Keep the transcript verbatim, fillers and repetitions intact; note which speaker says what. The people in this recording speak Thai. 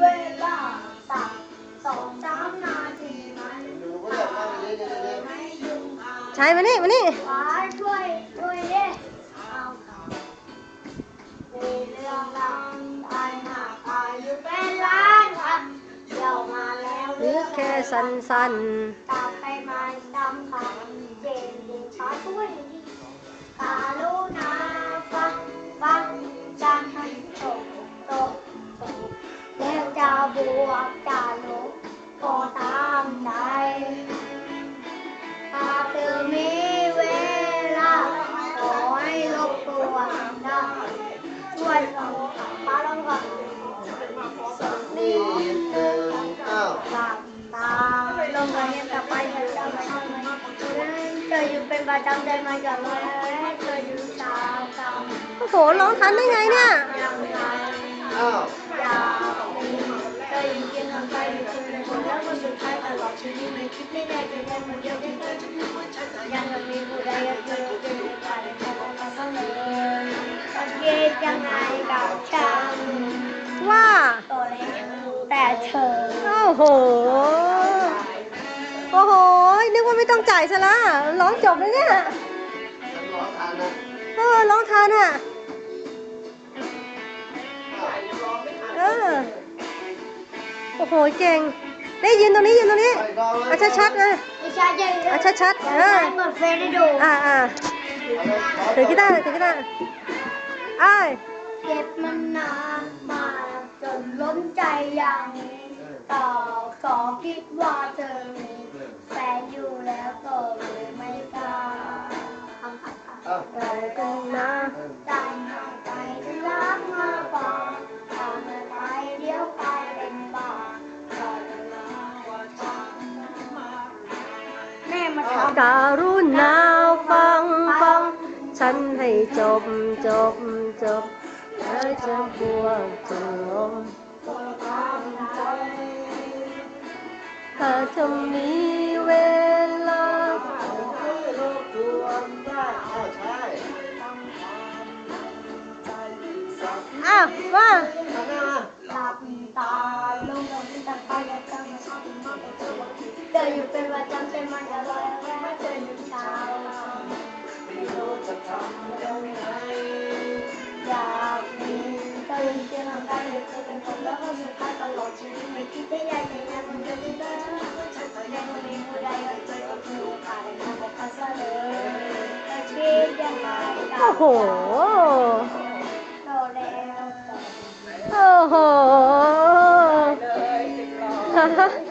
Speaker 1: เวลาสักสองสามนาทีมันไม่ยุ่งใช่มานี่มานี่ช่วยช่วยดิเอามีเรื่องราวตายหนักอายุเป็นล้านครับเดี๋ยวมาแล้วหรือแค่สั้นๆตามไปมาตามคำเจนเย็นช้าช่วยกาลูนาฟังฟังจังให้โตโตโตแล้วจะบวกจะลบก็ตามใจหากเธอมีเวลาขอให้รบกวนได้ช่วยลองมาลองก่อนนี่หนึ่งหลับตาลงมาเนี่ยกลับไปจะจำไม่ได้ไหมเธออยู่เป็นประจำใจมาจากเมื่อไรเธออยู่ตามตามโอ้โหร้องทันได้ไงเนี่ย
Speaker 2: อ้าว
Speaker 1: อยากมีเธออยู่เคียงข้างใครอยู่คนเดียวแล้วก็สุดท้ายตลอดชีวิตไม่คิดไม่ได้จะได้คนเดียวที่เธอยังไม่มีผู้ใดอยากเจอเจอกันแค่มาเสมอจะเย็นยังไงกับฉัน
Speaker 3: ว่า
Speaker 1: ตัวเล็กแต่เธอ
Speaker 3: โอ้โหโอ้โหนึกว่าไม่ต้องจ่ายซะละร้องจบเลยเนี่ย
Speaker 2: ร้องทันนะ
Speaker 3: เออร้องทันอ่ะเออโอ้โหเก่งได้ยินตรงนี้ยินตรงนี้เอาชัดๆเลยเอาชัดๆเออ
Speaker 1: เหมือนเฟรนด์ดู
Speaker 3: อ่าอ่าถือกีตาร์ถือกีตาร์ไอ้
Speaker 1: เก็บมันนานมาจนล้นใจอย่างต่อขอคิดว่าเธอมีแฟนอยู่แล้วก็เลยไม่กล้าทำผัดผัดเรากันนะใจหายใจที่รักมากกว่าทำไปเดี๋ยวกลายเป็นบ้าเราจะมาว่าทำแม่มาทำ
Speaker 3: การุณาฟังฟังฉันให้จบจบจบแล้วจะบวกจะลงถ้าเธอมีเวลาอ้าวว่า
Speaker 1: หลับตาลงลงตาไปแล้วจะมาเธออยู่เป็นประจำใจมันจะลอยแวะเธออยู่เช้าไม่รู้จะทำยังไงอยากมีเธออยู่เคียงข้างกันอยู่เธอเป็นคนแล้วก็สุดท้ายตลอดชีวิตไม่คิดได้ยังไงนะมันจะไม่ได้ยังไม่มีผู้ใดเอาใจเอาคือโอกาสในการบอกกันซะเลยจะคิดยังไง
Speaker 3: โอ้โห
Speaker 1: โตแล้ว
Speaker 3: โอ้โห